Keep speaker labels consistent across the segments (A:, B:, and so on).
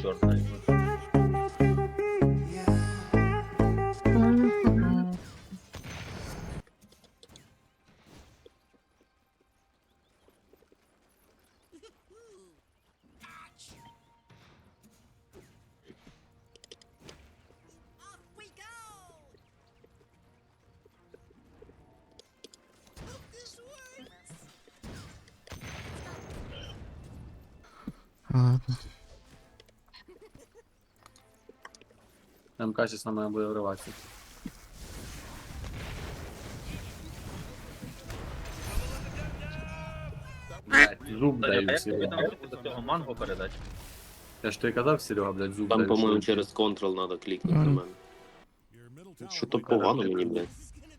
A: черт знает.
B: Ладно.
C: МК сейчас на мене буде вриватися. Блядь, зуб
A: Саня, а
C: даю,
A: як тобі
C: Серега.
A: там до цього манго передати?
C: Я ж тобі казав, Серега, блядь, зуб
D: Там,
C: даю.
D: по-моєму,
C: що-
D: через Ctrl надо клікнути на мене. Що то погано мені, блядь.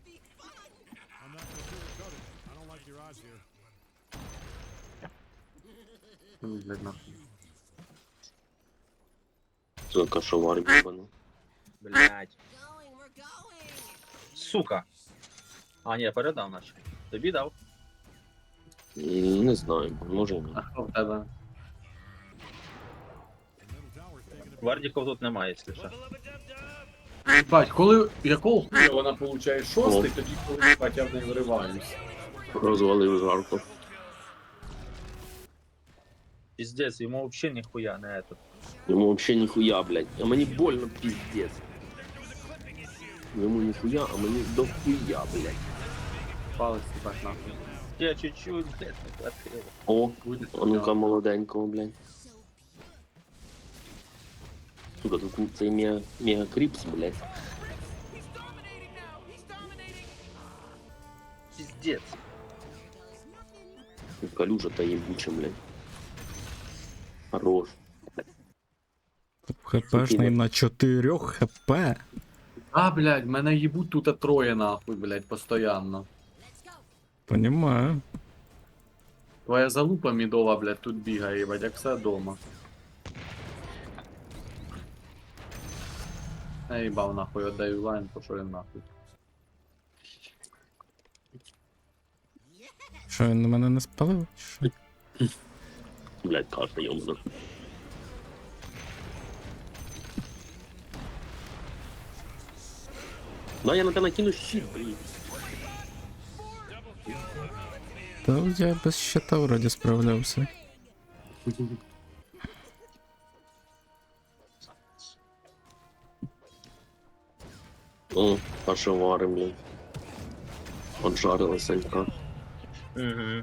C: Блядь, нахуй.
D: Це кашовар бібаний.
A: Блять. Сука. А, ні, передав наче. Тобі дав.
D: Не знаю, може і ні.
C: А що в тебе?
A: Вардіков тут немає, якщо що.
C: Бать, коли якого хуя вона получає шостий, тоді коли бать, я в неї вириваюсь.
D: Розвалив жарко.
A: Пиздец, йому взагалі ніхуя не этот.
D: Йому вообще ніхуя, блядь. А мені больно, пиздец. Йому ніхуя, а мені дохуя, блядь.
C: Палець їбать нахуй.
A: Я чуть-чуть, блядь, не хватило.
D: О,
C: Буде
D: а ну-ка молоденького, блядь. Сука, тут цей мега кріпс, блядь.
A: Пиздец.
D: Калюжа та ебуча, блядь. Хорош.
B: ХПшний на 4 хп.
C: А, блядь, мене їбуть тут троє нахуй, блядь, постоянно.
B: Понімаю.
C: Твоя залупа мідова, блядь, тут бігає, їбать, як все дома. Я їбав нахуй, отдаю лайн, пошов він нахуй.
B: Що він на мене не спалив? Що?
D: Блядь, кашля ёмана. Да, я на тебе накину щит, блядь.
B: Та я без щита вроді справлявся.
D: О, кашевари, блядь. Поджарила Санька.
A: Угу.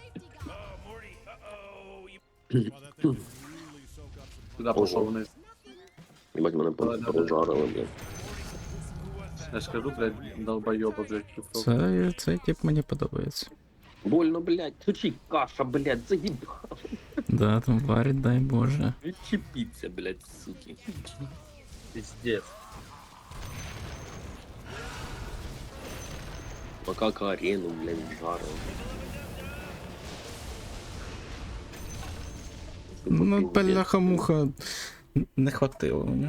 C: Туди пошов вниз.
D: Ебать, мене поджарили, блядь.
C: Я ж кажу, блядь, долбойоба, блядь, пішов.
B: Цей тип мені подобається.
D: Больно, блядь. Тучи каша, блядь, заебал.
B: Да, там варить, дай Боже.
D: Відчепіться, блядь, суки.
A: Пиздец.
D: Макака арену, блядь, жарил.
B: Ну, бляха-муха, не хватило мені.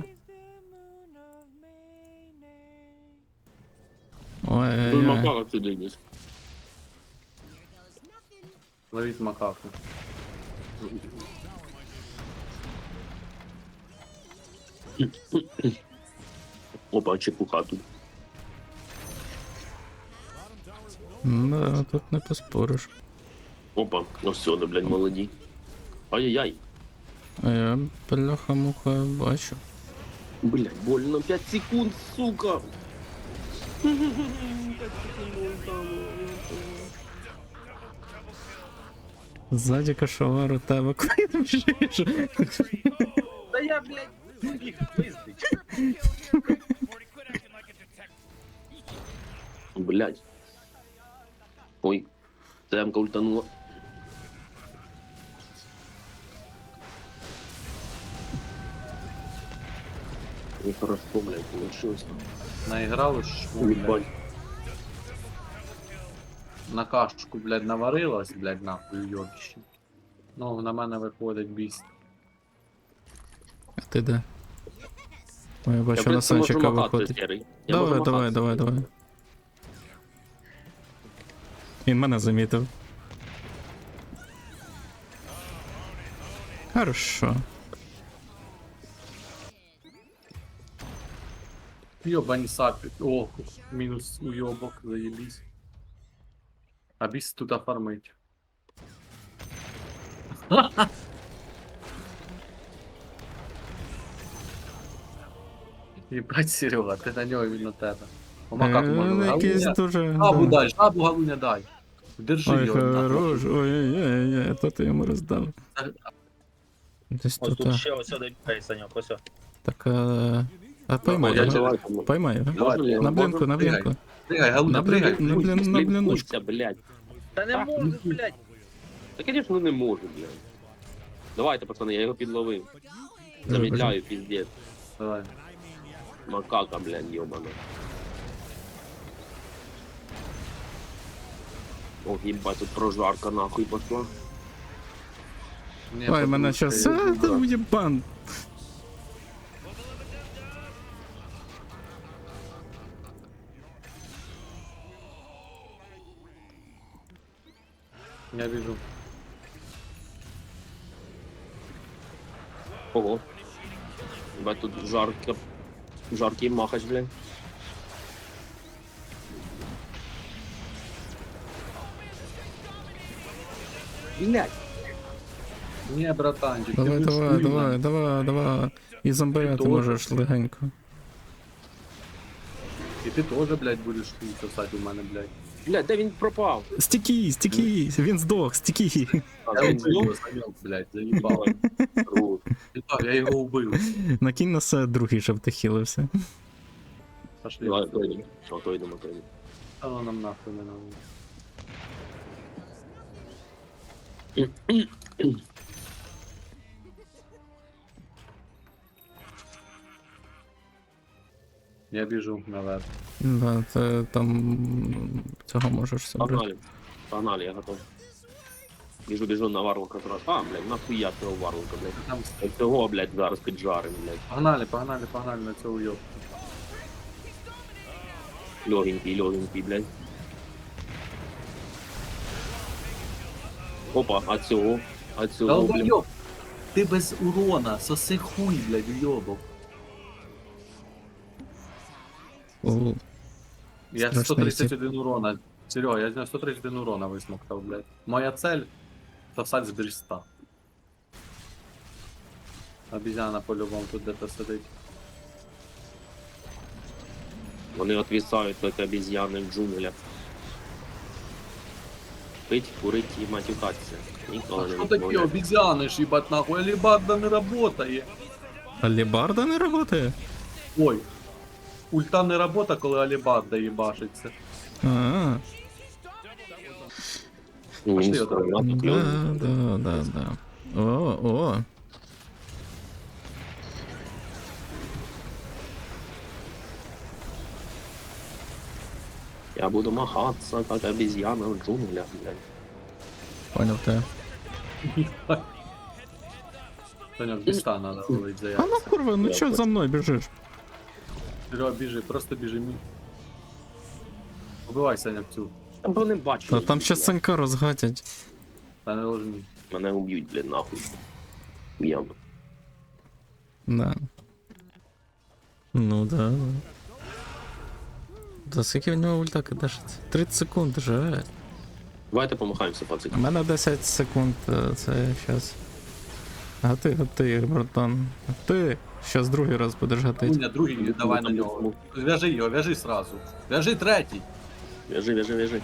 D: Тут
B: Ой-ой-ой.
D: макака сюди десь.
C: Ловіть макаку.
D: Опа, чепуха тут.
B: Да, тут не поспориш.
D: Опа, ну все, да, блядь, молоді. Ай-яй-яй.
B: А я бляха-муха бачу.
D: Блядь, больно 5 секунд, сука. 5 секунд там.
B: Ззаді кашовар у тебе, коли ти біжиш.
A: Да я, блядь, їх пиздить.
D: Блядь. Ой, ТМ-ка ультанула. Нехорошо, блядь, получилось.
C: Наіграли ж, блядь,
D: Ебать.
C: на кашку, блядь, наварилась, блядь, нахуй, йобище. Ну, на мене виходить біст.
B: А ти де? Ой, я
D: Я,
B: бачу,
D: в
B: на
D: принципі, можу
B: Санчика
D: махати,
B: виходить.
D: Серий. Я можу
B: Давай,
D: махати.
B: давай. Він мене замітив. Хорошо.
C: Йобані сапи. О, мінус уйобок, заєбісь. А біс тут оформить. Єбать, Серега, ти на нього, він на тебе. По макаку можна.
B: Якийсь
C: Галуня,
B: дуже...
C: жабу
B: да.
C: дай, жабу Галуня дай. Держи
B: Ой,
C: його.
B: хорош, ой-ой-ой, то ти йому роздав. Десь
A: Ось
B: тут,
A: тут ще ось сюди бігає, Саньок, ось.
B: так, а поймай
C: я
B: його,
D: Давайте,
B: поймай його.
D: Можна я?
B: На блінку, на
C: Пригай.
B: блінку.
C: Пригай, Галуня,
B: На
C: пригай.
B: блін, на блін, на бліночку.
D: Блінкуйся, блядь.
A: Та не можу, блядь.
D: Та, конечно, не можу, блядь. Давайте, пацани, я його підловив. Замедляю, пиздец.
C: Давай.
D: Макака, блядь, ёбана. Ох, ебать, тут прожарка нахуй пошла.
C: Ні,
B: Ой, мене
C: потому
B: щас,
C: що я
B: а, там єбан.
C: Я вижу.
D: Ого. Ебать, тут жарко. Жаркий махач, блядь. Блядь.
C: Ні, братанчик,
B: Давай,
C: ти
B: давай,
C: будеш
B: давай,
C: вільна.
B: давай. І зомбиряти
C: Тоже.
B: можеш легенько.
C: І ти теж, блядь, будеш хуй сосати у мене, блядь.
D: Блядь, де він пропав?
B: Стікій, він здох, стікій.
D: А,
C: Я
D: він
C: вбив, Саньок, блядь, заїбав.
D: здох.
C: Я його вбив.
B: Накинь на себе другий, щоб ти хилився.
C: Пошли.
D: Давай, то йдемо. О, то йдемо, то йдемо.
C: А воно нам нахуй не надо. Я біжу наверх.
B: Да, ти там цього можеш собрати.
D: Погнали. Погнали, я готов. Біжу на варлока зразу. А, блядь, нахуя цього варлока, блядь.
C: Там
D: Цього, блядь, зараз піджарим, блядь.
C: погнали на цього уйоб.
D: Легенький, блядь. Опа, а цього, блядь.
C: Долбойоб! Ти без урона, соси хуй, блядь, уйобок.
B: О,
C: Я
B: Страшний
C: 131 урона. Серега, я з нього 131 урона висмоктав, блядь. Моя цель — сосать з береста. Обезьяна по-любому тут де-то сидить.
D: Вони отвісають, як обезьяни в джунглях. Пить, курить і матюкатися. Ніколи
C: А
D: не
C: що таке
D: відмовляють.
C: обезьяни ж, їбать, нахуй? Алібарда не работає.
B: алібарда не працює?
C: Ой. Ульта не работа, коли алібарда їбашиться.
B: А,
D: Ні,
C: Пошли,
D: ні,
C: отак.
D: а тут люди.
B: да. О.
D: Я буду махатися, як обезьяна в джунглях, блядь.
B: Понял тебе.
C: Саня, в біста надо ловить за
B: А ну
C: яйця.
B: курва, ну
D: Я
B: чо
D: хочу.
B: за мною біжиш?
C: Серега, біжи, просто біжи мій. Убивай, Саня, в цю.
D: Там вони бачать.
B: Та там ще
D: блядь.
B: Санька розгатять.
C: Та не ложні.
D: Мене уб'ють, блядь, нахуй. Яму.
B: Да. Ну да. Да скільки в нього ульта кидашиться? 30 секунд же.
D: Давайте помахаємося,
B: У
D: пацики.
B: мене 10 секунд, це щас. Гати, братан. Ти щас другий раз будеш гатити.
C: Луня, другий, давай на нього. В'яжи його, в'яжи сразу. В'яжи третій.
D: Вяжи.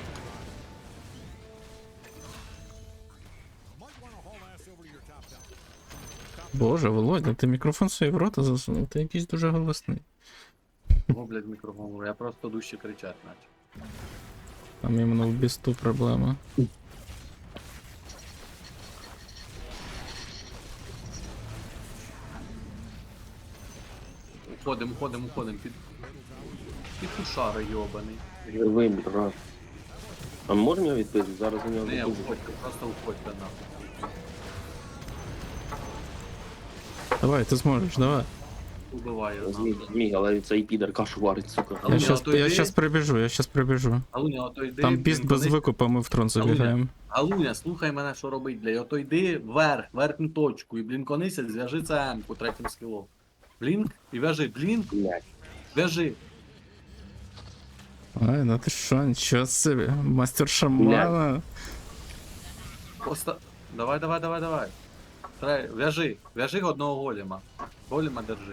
B: Боже, Володя, ти мікрофон собі в рота засунув, ти якийсь дуже голосний.
C: О, блядь, мікрофон, я просто дужче кричать наче.
B: Там іменно в бісту проблема.
C: Уходим, під кушара йобаний.
D: Живий, брат. А можемо його відпити? Зараз у нього
C: Не,
D: дуже.
C: уходьте, просто уходьте нахуй.
B: Давай, ти зможеш, давай.
C: Убивай його нахуй.
D: Зміг, але цей підер кашу варить, сука.
C: А Луня, ото йди.
B: Я щас прибіжу.
C: Галуня, ото йди.
B: Там біст без
C: блін,
B: викупа, ми в трон забігаємо.
C: Галуня, слухай мене, що робить, блядь. Ото йди вверх, верхню точку, і блінконися, зв'яжи це М-ку третім скілом. Блінк, і в'яжи, блінк,
D: Блядь.
C: в'яжи.
B: Ай, ну ти що, нічого собі. Мастер шамана.
C: Просто... Давай. Вяжи одного голема. Голема держи.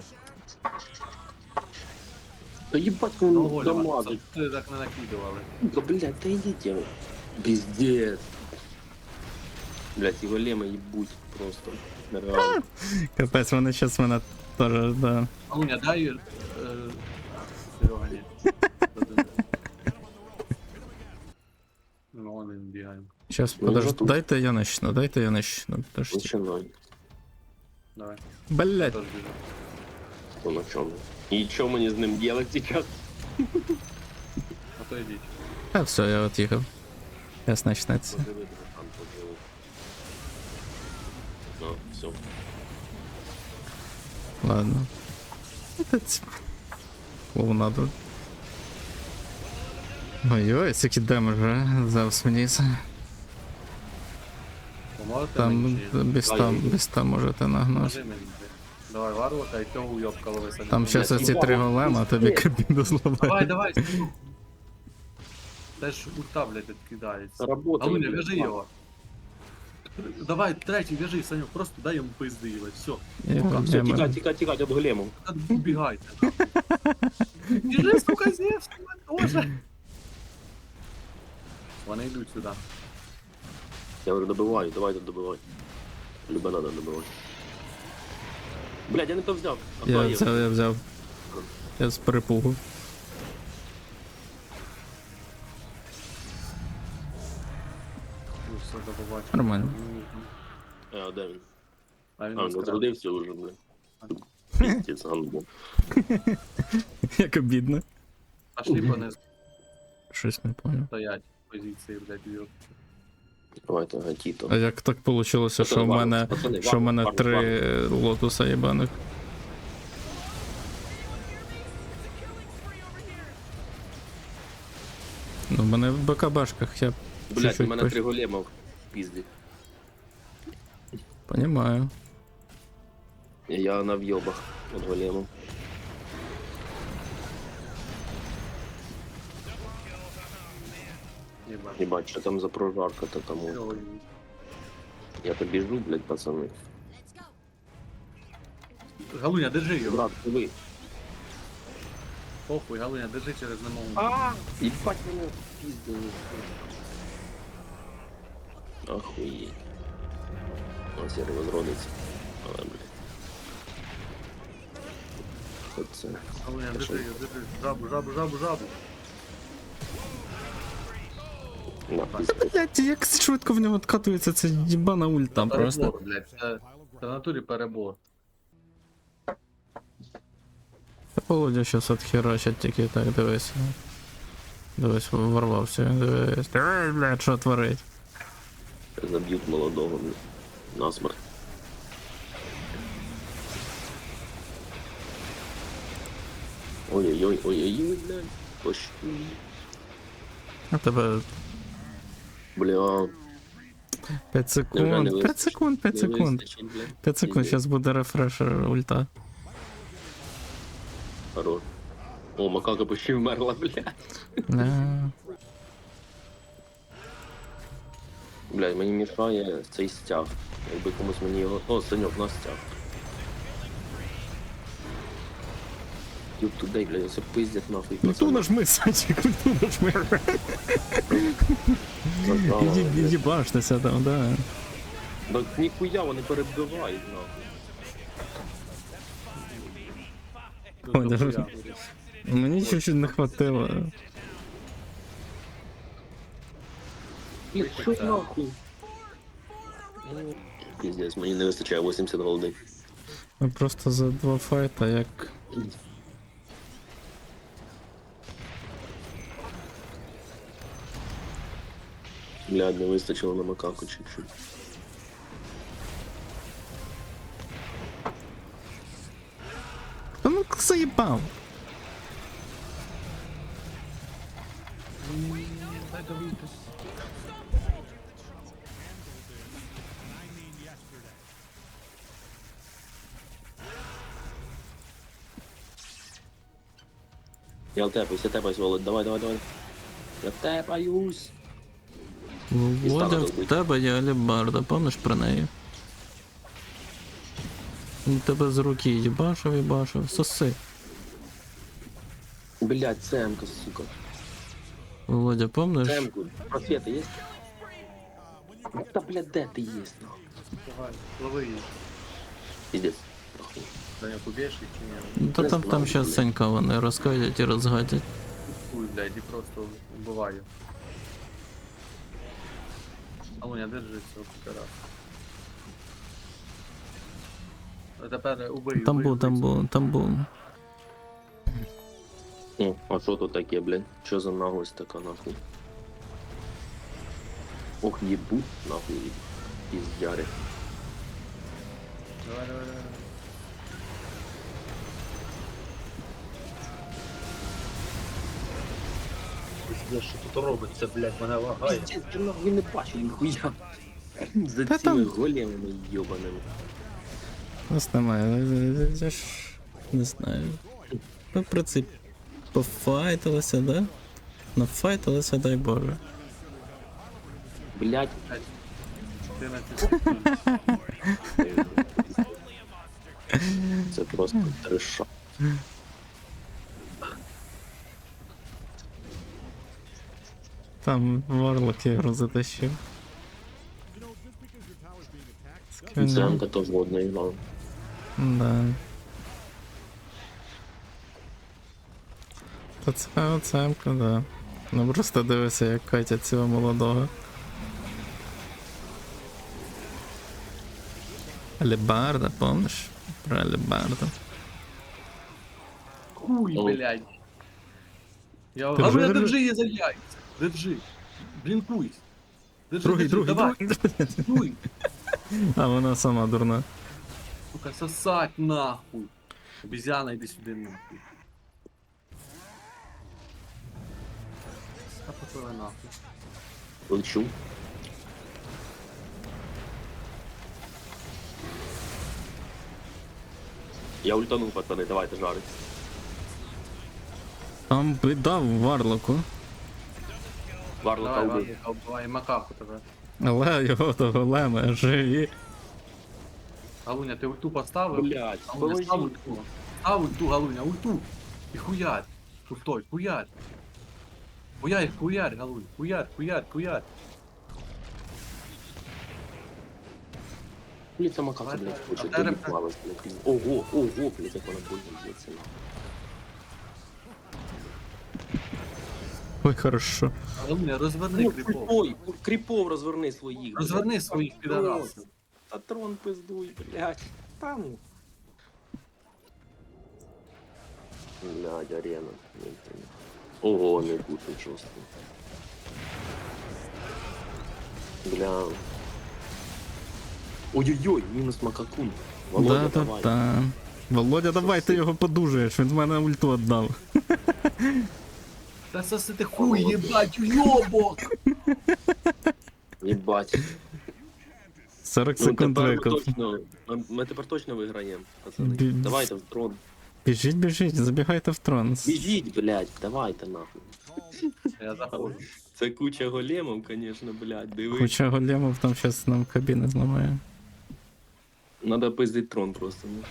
D: Да ебать,
C: Одного
D: он
C: голема.
D: дамажит.
C: Ти так не накидували.
D: Да, блядь, да идите. Пиздец. Блядь, его лема ебуть просто. Реально.
B: Капець, вони щас мене теж, да.
C: Луня, дай... Серега, ні. Ну, он він бігає.
B: Щас,
D: Ну,
B: подожди,
D: тут.
B: дайте я начну, подожди.
D: Начинай.
C: Давай,
B: Блять,
C: теж біжу.
D: То на чем? И что мне с ним делать сейчас?
C: А то йдіть.
B: а все, я от'їхав. Щас начнеться.
D: Ну, все.
B: Ладно. Это клоунаду. Ой-ой, скільки демеджа завс вниз.
C: Поможете
B: Там
C: мені чи ні?
B: без там можете нагнути.
C: Поможи мені. Давай, варвата і того уйобка лови самі.
B: Там щас
D: Блядь,
B: оці три голема, а тобі кабіну зламають.
C: Давай. Теж ульта, блядь, відкидається.
D: Работай.
C: Алуня, вяжи його. Давай, третій, вяжи, Санюк, просто дай йому пизди, їбать, все.
D: Все, тикать от голему.
C: Убігайте. Біжи, сука, Зевс, тоже. Вони йдуть сюди.
D: Я говорю, добивай, давай тут добивай. Любе надо добивай. Блядь, я не то взяв. А то
B: Я взяв. Я з перепугу.
C: Ну, все, до побачення.
B: Нормально.
D: А, де він?
C: А він
D: А,
C: розкрав.
D: розродився уже, блядь. Пиздец, ганбо.
B: Як обідно.
C: Пошли по не
B: Щось не понял.
C: стоять позиції, блядь, в'єб.
D: Давайте, гатіто.
B: А як так вийшло, що в мене три лотуса єбаних? Ну, в мене в БКБшках, я
D: Блядь, у
B: чуть-чуть
D: мене 3 голема в пізді.
B: Понимаю.
D: Я на в'єбах от голема.
C: Єбать.
D: Ебать, що там за прожарка-то там?
C: Ой,
D: Я то біжу, блядь, пацани.
C: Галуня, держи його.
D: Брат, диви.
C: Похуй, Галуня, держи через немову.
D: Ебать, мене піздили. Охуеть. Ось я розродиться. Але, блядь. Оце.
C: Галуня, держи його, держи. Жабу.
D: На, пізди.
B: Блять, як швидко в нього откатується ця їбана ульта просто.
C: Перебор, блядь, це в натурі перебор.
B: Володя щас отхерачить тільки так, дивись. Дивись, ворвався, дивись. Ой, блядь, що творить?
D: Заб'ють молодого, блядь. Насмерть. Ой-ой-ой, блядь. Пощу.
B: А тебе
D: Бля.
B: 5 секунд, 5 секунд, 5 секунд. 5 секунд, зараз буде рефрешер ульта.
D: Хорош. О, макака почти вмерла, блядь.
B: Да.
D: Блядь, мені мішає цей стяг. Якби комусь мені його... О, Саньок, на стяг. Юб туди, блядь, все пиздять нахуй.
B: Ульту нажми, Санчик, ульту нажми. Іди башнися там, да.
D: Так ніхуя, вони перебивають, нахуй.
B: Ой, даже- Мені чуть-чуть не хватило.
D: Що нахуй? Пиздец, мені не вистачає 80 голди.
B: Ми просто за 2 файта, як...
D: Блядь, не вистачило на макаку чуть-чуть.
B: Та ну заїбав.
D: Я тепаюсь, Володь, давай. Я тепаюсь.
B: Володя,
D: стало
B: в
D: добить.
B: тебе є алебарда, пам'ятаєш про неї? Він тебе з руки їбашив, соси.
D: Блядь, цемка, сука.
B: Володя, пам'ятаєш?
D: Цемку. Просвета есть? Да, блядь, де ти есть, нахуй?
C: Давай, лови її.
D: Пиздец.
C: Даня, поб'єш їх чи ні?
B: Ну, то там щас Санька вони розкадять і розгадять.
C: Хуй, блядь, і просто вбиваю. Алуня, держи цього пітера. А тепер убий,
B: Там був.
D: О, а що тут таке, блядь? Що за наглость така, нахуй? Ох, ебут, нахуй, пиздяри.
C: Давай.
A: Пиздец, що тут робиться, блядь, мене лагає.
D: Пиздец, ти нахуй не бачив, ніхуя. За
B: Та
D: цими
B: там-
D: големами йобаними.
B: Нас немає, я ж не знаю. Ми в принципі пофайтилися, да? Нафайтилися, дай Боже.
D: Блядь.
C: 14.
D: Це просто треша.
B: Там Варлок його затащив. Скинули.
D: Цемка теж водна грала.
B: Да. Та це оцемка, да. Ну просто дивися, як катять цього молодого. Алебарда, помниш? Про Алебарду.
C: Хуй,
D: Ой.
C: блядь. Я
B: Держи,
C: Алуня,
B: держи.
C: держи її за яйця. Держи. Блінкуй. Держи,
B: Другий,
C: давай. Блінкуй.
B: А вона сама дурна.
C: Сука, сосать нахуй. Обезьяна, иди сюда нахуй. А потом нахуй.
D: Лечу. Я ультанув, пацани, давайте жарить.
B: Там біда в Варлоку.
C: Давай,
D: Варлока убив.
C: Варлока, убивай макаку тебе.
B: Але його до голема живі.
C: Галуня, ти ульту поставив?
D: Блядь,
C: Галуня, став
D: положи.
C: ульту. Став ульту, Галуня, ульту. І хуярь. Ультой, хуярь. Хуярь, Галунь. Хуярь.
D: Блядь, сама как, блядь,
C: А
D: хочет
C: зараз-
D: доебалась, блядь. Ого, блядь, як вона больно б'ється.
B: Ой, хорошо.
C: Галуня, розверни
D: Ну,
C: кріпов.
D: ой, кріпов розверни своїх. блядь.
C: Розверни своїх підарасів.
D: Та трон пиздуй, блядь. Там. Блядь, арена. Ого, не куту жорстко. Бля. Ой-ой-ой, мінус макакун. Володя, давай.
B: Да. Володя, давай, ти його подужаєш, він з мене ульту віддав.
C: Та соси ти хуй, єбать, уйобок!
D: Єбать.
B: 40 секунд викуп.
D: Ми тепер точно виграємо, пацани.
B: Бі-
D: Давайте в трон.
B: Біжіть, забігайте в трон.
D: Біжіть, блядь, давайте нахуй.
C: Я заходжу.
D: Це куча големов, конечно, блядь, диви.
B: Куча големов там щас нам кабіни зламає.
D: Надо пиздить трон просто. Ну.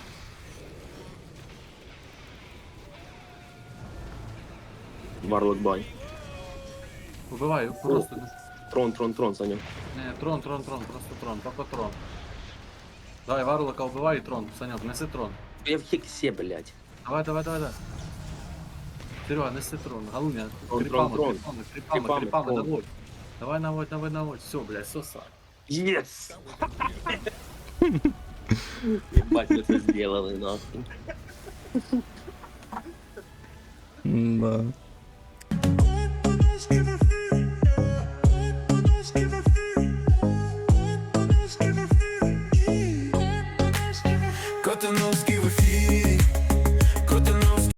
D: Варлок бай.
C: Убиваю, просто.
D: Трон, Саня.
C: Не, трон, просто трон, только трон. Давай, Варлока убивай и трон. Санек, неси трон.
D: Я в хексе, блядь.
C: Давай. Серега, неси трон. Галуня,
D: Трон.
C: крипами,
D: Трон.
C: наводь. Давай, наводь. Все, блядь, соса.
D: Yes! Ебать, мы это сделали, нахуй.
B: Да.